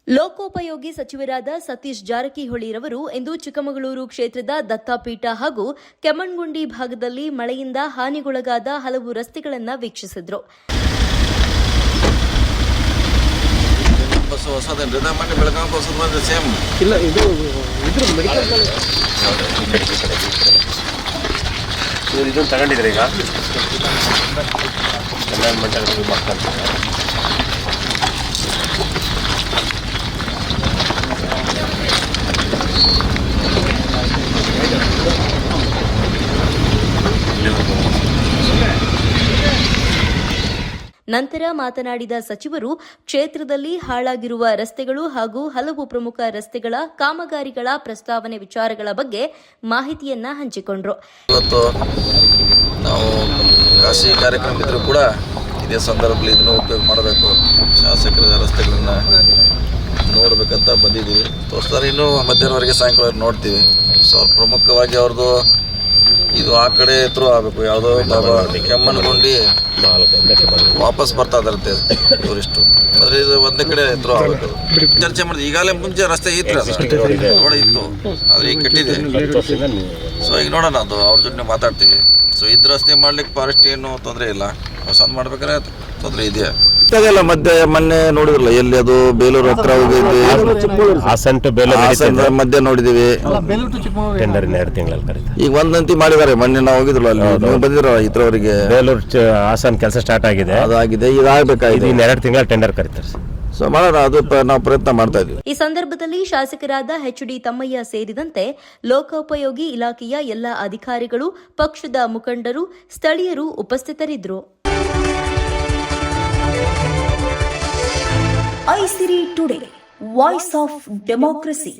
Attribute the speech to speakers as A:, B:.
A: ಲೋಕೋಪಯೋಗಿ ಸಚಿವರಾದ ಸತೀಶ್ ಜಾರಕಿಹೊಳಿರವರು ಇಂದು ಚಿಕ್ಕಮಗಳೂರು ಕ್ಷೇತ್ರದ ದತ್ತಾಪೀಠ ಹಾಗೂ ಕೆಮ್ಮಣ್ಣಗುಂಡಿ ಭಾಗದಲ್ಲಿ ಮಳೆಯಿಂದ ಹಾನಿಗೊಳಗಾದ ಹಲವು ರಸ್ತೆಗಳನ್ನು ವೀಕ್ಷಿಸಿದರು. ನಂತರ ಮಾತನಾಡಿದ ಸಚಿವರು, ಕ್ಷೇತ್ರದಲ್ಲಿ ಹಾಳಾಗಿರುವ ರಸ್ತೆಗಳು ಹಾಗೂ ಹಲವು ಪ್ರಮುಖ ರಸ್ತೆಗಳ ಕಾಮಗಾರಿಗಳ ಪ್ರಸ್ತಾವನೆ ವಿಚಾರಗಳ ಬಗ್ಗೆ ಮಾಹಿತಿಯನ್ನ ಹಂಚಿಕೊಂಡರು.
B: ಇವತ್ತು ನಾವು ಖಾಸಗಿ ಕಾರ್ಯಕ್ರಮ ಇದ್ರೂ ಕೂಡ ಇದೇ ಸಂದರ್ಭದಲ್ಲಿ ಇದನ್ನು ಉಪಯೋಗ ಮಾಡಬೇಕು, ಶಾಸಕರ ರಸ್ತೆಗಳನ್ನ ನೋಡಬೇಕಂತ ಬಂದಿದ್ದೀವಿ. ತೋರಿಸ್ತಾರೆ, ಇನ್ನೂ ಮಧ್ಯಾಹ್ನವರೆಗೆ ಸಾಯಂಕಾಲ ನೋಡ್ತೀವಿ. ಸೊ ಪ್ರಮುಖವಾಗಿ ಅವ್ರದ್ದು ಇದು ಆ ಕಡೆ ಥ್ರೂ ಆಗಬೇಕು. ಯಾವುದೋ ಕೆಮ್ಮಣ್ಣಗುಂಡಿ ವಾಪಸ್ ಬರ್ತಾ ಇದಾರಂತೆ ಟೂರಿಸ್ಟು, ಆದರೆ ಇದು ಒಂದೇ ಕಡೆ ಥ್ರೂ ಆಗಬೇಕು. ಚರ್ಚೆ ಮಾಡಿದ್ವಿ. ಈಗಾಗಲೇ ಮುಂಚೆ ರಸ್ತೆ ಇತ್ತು, ರೋಡ್ ಇತ್ತು, ಆದರೆ ಈಗ ಕೆಟ್ಟಿದೆ. ಸೊ ಈಗ ನೋಡೋಣ, ಅದು ಅವ್ರ ಜೊತೆ ಮಾತಾಡ್ತೀವಿ. ಸೊ ಇದು ರಸ್ತೆ ಮಾಡ್ಲಿಕ್ಕೆ ಫಾರೆಸ್ಟ್ ಏನು ತೊಂದರೆ ಇಲ್ಲ, ಹೊಸದು ಮಾಡ್ಬೇಕಾದ್ರೆ ತೊಂದರೆ ಇದೆಯಾ ಅದೆಲ್ಲ. ಮೊನ್ನೆ ನೋಡಿದ್ರಲ್ಲ, ಎಲ್ಲಿ ಅದು ಬೇಲೂರು ಹತ್ರ ಹೋಗಿದ್ವಿ, ಮಧ್ಯ ನೋಡಿದೀವಿ. ಈಗ ಒಂದಂತಿ ಮಾಡಿದ್ದಾರೆ. ಮೊನ್ನೆ ನಾವು ಹೋಗಿದ್ರಲ್ಲ, ಅಲ್ಲಿ ನೀವು ಬಂದಿದ್ರ ಇದ್ರವರೆಗೆ
C: ಬೇಲೂರು ಹಾಸನ್ ಕೆಲಸ ಸ್ಟಾರ್ಟ್ ಆಗಿದೆ,
B: ಅದಾಗಿದೆ. ಇದಾಗಬೇಕಾಗಿದೆ,
C: 2 ತಿಂಗಳ ಟೆಂಡರ್ ಕರೀತಾರೆ.
B: ಸೊ ಮಾಡೋಣ, ಅದು ನಾವು ಪ್ರಯತ್ನ ಮಾಡ್ತಾ ಇದ್ವಿ.
A: ಈ ಸಂದರ್ಭದಲ್ಲಿ ಶಾಸಕರಾದ ಎಚ್.ಡಿ. ತಮ್ಮಯ್ಯ ಸೇರಿದಂತೆ ಲೋಕೋಪಯೋಗಿ ಇಲಾಖೆಯ ಎಲ್ಲ ಅಧಿಕಾರಿಗಳು, ಪಕ್ಷದ ಮುಖಂಡರು, ಸ್ಥಳೀಯರು ಉಪಸ್ಥಿತರಿದ್ದರು.
D: Isiri today, voice of democracy.